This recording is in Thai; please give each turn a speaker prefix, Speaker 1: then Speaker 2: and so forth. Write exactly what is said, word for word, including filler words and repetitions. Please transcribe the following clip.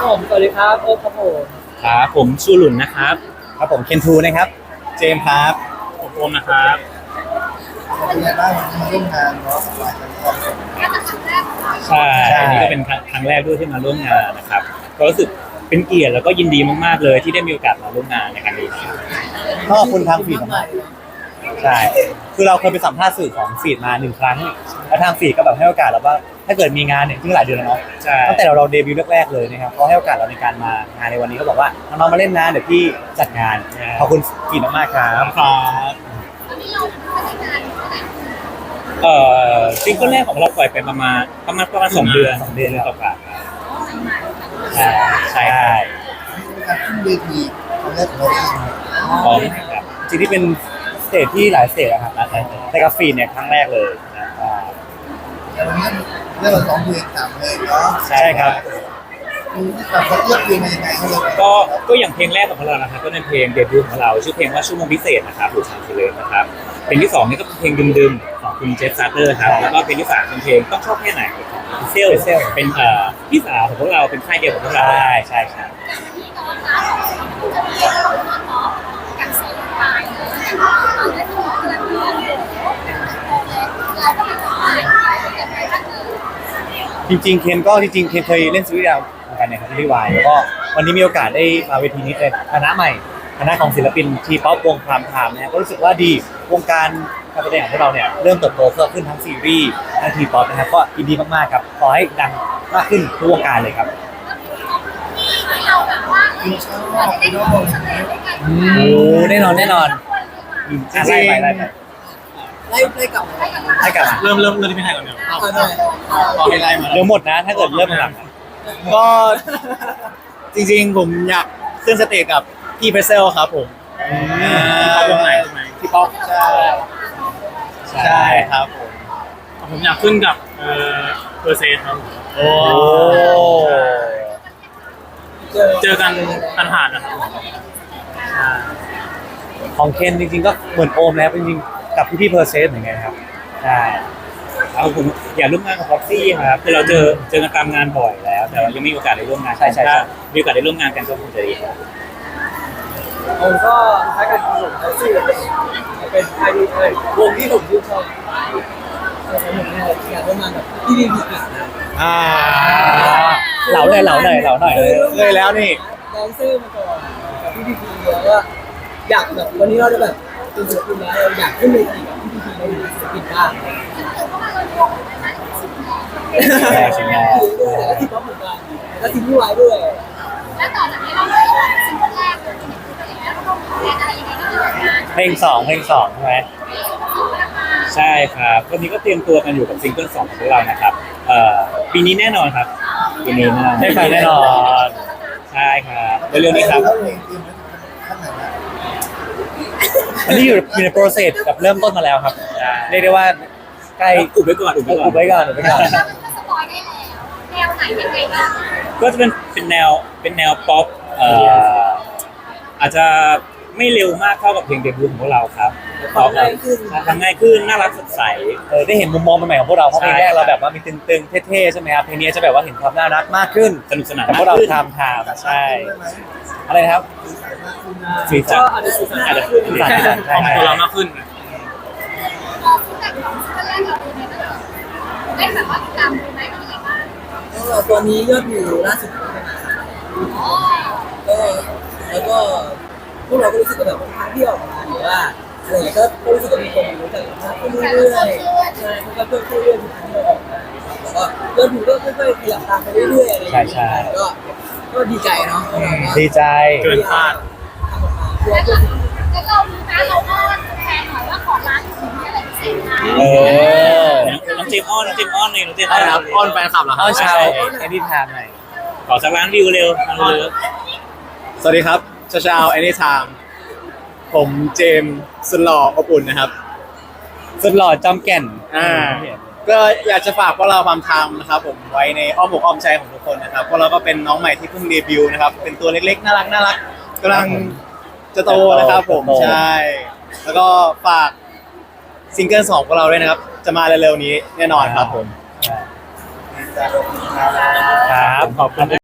Speaker 1: ผมสวัสดีครับโอ๊คครับผม
Speaker 2: ครับผมชูหลุนนะครับ
Speaker 3: ครับผมเคนทูนะครับเจมส์ครับ
Speaker 2: ผมโอมนะครับ
Speaker 4: เป็นไงบ้างวันนี้มาร่วมงานเนาะสบายใจความสุข
Speaker 2: ใช่อันนี้ก็เป็นครั้งแรกด้วยที่มาร่วมงานนะครับก็รู้สึกเป็นเกียรติแล้วก็ยินดีมากๆเลยที่ได้มีโอกาสมาร่วมงานในครั้งนี้
Speaker 3: ก็ขอบคุณทางฟีดมากใช่คือเราเคยไปสัมภาษณ์สื่อของฟีดมาหนึ่งครั้งแล้วทางฟีดก็แบบให้โอกาสเราว่าถ้าเกิดมีงานเนี่ยซึ่งหลายเดือนแล้วเนาะตั้งแต่เราเราเดบิวต์แรกๆเลยนะครับเขาให้โอกาสเราในการมางานในวันนี้เขาบอกว่าน้องๆมาเล่นนะเดี๋ยวพี่จัดงานขอบคุณฟีดมากๆครับ
Speaker 2: ครับเอ่อซิงเกิลแรกของเราปล่อยไปประมาณประมาณประมาณสองเดือน
Speaker 3: สองเดือน
Speaker 2: ต่อกัน
Speaker 3: ใช่ใช่
Speaker 4: การขึ้นเวทีครั้งแรกของเราเอง
Speaker 2: พร้อมครับ
Speaker 3: จริงที่เป็นสเตจที่หลายสเตจอะครับในกราฟีเนี่ยครั้งแรกเลยนะ
Speaker 4: แต่วันนี้เรื่องเราสองเพลงสามเพลงเนาะ
Speaker 3: ใช่ครับ
Speaker 4: มีที่แบบเขาเลือกเพลงมายังไงเขาเลย
Speaker 2: ก็ก็อย่างเพลงแรกของเรานะครับก็เป็นเพลงเดบิวต์ของเราชื่อเพลงว่าชั่วโมงพิเศษนะครับหรือชางซิเลนนะครับเพลงที่สองนี่ก็เป็นเพลงดึมๆของคุณเจฟซาร์เตอร์ครับแล้วก็เพลงที่สามเป็นเพลงต้องชอบแค่ไหนของเซลเป็นเอ่อพี่สาวของพวกเราเป็นค่ายเดียวของพวกเรา
Speaker 3: ใช่ใช่ใช่จริงๆเคนก็จริงๆเคนเคยเล่นซีรีส์ดาวเหมือนกันเนี่ยครับซีรีส์วายแล้วก็วันนี้มีโอกาสได้มาเวทีนี้เป็นคณะใหม่คณะของศิลปินทีป๊อปวงพรามไทม์เนี่ยก็รู้สึกว่าดีวงการการแสดงของพวกเราเนี่ยเริ่มเติบโตเพิ่มขึ้นทั้งซีรีส์ทั้งทีป๊อปนะครับก็ยินดีมากๆครับขอให้ดังมากขึ้นทุกวงการเลยครับโอ้แน่นอนแน่นอนไล่ไปไล่ไป
Speaker 4: ไล่ไล่กลับไล่กลับ
Speaker 3: ไล่กลับ
Speaker 2: เริ่มเริ่มเริ่มที่ไม่ให้ก่อนเดี๋ยว
Speaker 4: ต่อ
Speaker 2: ให้ไล่มา
Speaker 3: เดี๋ยวหมดนะถ้าเกิดเริ่มหลัง
Speaker 1: ก็จริงๆผมอยากขึ้นสเตจกับพี่เพรสเซลครับผม
Speaker 2: ที่ป๊อปวงไหนใช่ไหม
Speaker 1: ที่ป๊อปใช่ใช่ครับผม
Speaker 2: ผมอยากขึ้นกับเอ่อเพอร์เซนครับ
Speaker 3: โอ้
Speaker 2: เจอกันผ่านๆนะครับ
Speaker 3: ของเคนจริงๆก็เหมือนโอมแล้วจริงๆกับพี่พี่เพอร์เซนเหมือนกันครับใช่
Speaker 2: แล้วผมอยากร่วมงานกับพ็อกซี่ครับคือเราเจอเจอกันตามงานบ่อยแล้วแต่ว่ายังไม่มีโอกาสได้ร่วมงาน
Speaker 3: ใช่ใช่
Speaker 2: ถ้ามีโอกาสได้ร่วมงานกันก็คงจะดีครับ
Speaker 1: ผมก็ถ้าเกิดผมเขาชื่อเป็นใครดีเลยวงที่ผมชื่นชอบแต่ผมเนี่ยอยากร่วมงานกับพี่ดีพีนะ
Speaker 3: อ่าเหลาเลยเหลาหน่อยเหลาหน่อย
Speaker 1: เลยแล้วนี่แดนเซอร์มาก่อนกับพี่ดีพีแล้วก็อยากแบบวันนี้เราจะแบบเป็นศิลปินแล้วอยากขึ้นเวทีกับพี่ดีพีเราเป็นศิลปินบ้าง
Speaker 3: แรกชิ้นแรก
Speaker 1: แล้วที่ป๊อปเหมือนกันแล้วทีมที่วายด้วย
Speaker 5: แล้วต่อจากนี้เราไม่ได้ซิงเกิลแรกเลยแล้วเราต้องแข่งอะไรยังไงก็เรื่องงาน
Speaker 3: เพลงสองเพลงสองใช่ไหม
Speaker 2: ใช่ครับวันนี้ก็เตรียมตัวกันอยู่กับซิงเกิลสองของพวกเรานะครับเอ่อปีนี้แน่นอนครับปีนี้แน่นอน
Speaker 3: ได้ฟังแน่นอน
Speaker 2: ใช่ครับเร็วๆนี้ครับ
Speaker 3: อันนี้อยู่อยู่ในโปรเซสกับเริ่มต้นมาแล้วครับเรียกได้ว่าใกล้
Speaker 2: อุบไว้ก่อนอุบไว้ก่อน
Speaker 3: อุบไว้ก่อนอุบไว้ก่อน
Speaker 5: สปอยได้แล้วแนวไหนยังไงบ้าง
Speaker 2: ก็จะเป็นเป็นแนวเป็นแนวป๊อปเอ่ออาจจะไม่เร็วมากเท่ากับเพลงเดบิวต์ของพวกเราครับ
Speaker 1: ฟังง่ายขึ้น
Speaker 2: ทำง่ายขึ้นน่ารักสดใส
Speaker 3: เออได้เห็นมุมมองใหม่ๆของพวกเราเพราะเพลงแรกเราแบบว่ามีตึงๆเท่ๆใช่ไหมครับเพลงนี้จะแบบว่าเห็นความน่ารักมากขึ้น
Speaker 2: สนุกสนาน
Speaker 3: แต่พวกเราทำทำใช่อะไรครับ
Speaker 1: สีสันอาจจะสีสันอาจจะขึ้น
Speaker 2: ใช่ใช่ตัวเรามากขึ้น
Speaker 5: พอฟีดแบ็กของซิงเกิลแรกเราเป็นยังไงบ้างได้แบบว่าติดตามดูไหมเป็นยังไงบ้าง
Speaker 1: ก็ตอนนี้ยอดวิวล่าสุดก็แล้วก็พวกเราก็รู้สึกแบบทางที่ออกมาหรือว่าอะไรอย่างเงี้ยก็รู้สึกว่ามีคนรู้จักมากขึ้นเรื่อยๆใช่มันก็เพิ่มขึ้นเรื่อยๆทุกครั้งที่เราออกมาแล้วก็ยอดวิวก็ค่อยๆขยับตามไปเรื่อยๆอะไรอย่างเงี้ยก็ก็ดีใจเนาะ
Speaker 3: ดีใจ
Speaker 2: เกินคาด
Speaker 5: แล้วเราดูนะเราอ้อนแฟนหน่อยว่าขอร้านถึงอะไรพิเศษนะ
Speaker 3: เออ
Speaker 2: น้องเจมอ้อนน้องเจมอ้อนเลยน้องเจมอ้อน
Speaker 1: อ้อนแฟนคลับเหรอ
Speaker 3: อ้อนชาวแอนิทามหน่อย
Speaker 2: ขอสักล้านวิวเร็วเร็ว
Speaker 1: สวัสดีครับชาชาวแอนิทามผมเจมสุดหล่ออบอุ่นนะครับ
Speaker 3: สุดหล่อจอมแก่น
Speaker 1: อ่าก็อยากจะฝากพวกเราความทำนะครับผมไว้ในอ้อมอกอ้อมใจของทุกคนนะครับพวกเราก็เป็นน้องใหม่ที่เพิ่งเดบิวต์นะครับเป็นตัวเล็กๆน่ารักน่ารักกำลังจะโตนะครับผมใช่แล้วก็ฝากซิงเกิลสองของเราด้วยนะครับจะมาเร็วๆนี้แน่นอนครับผม
Speaker 3: ครับขอบคุณ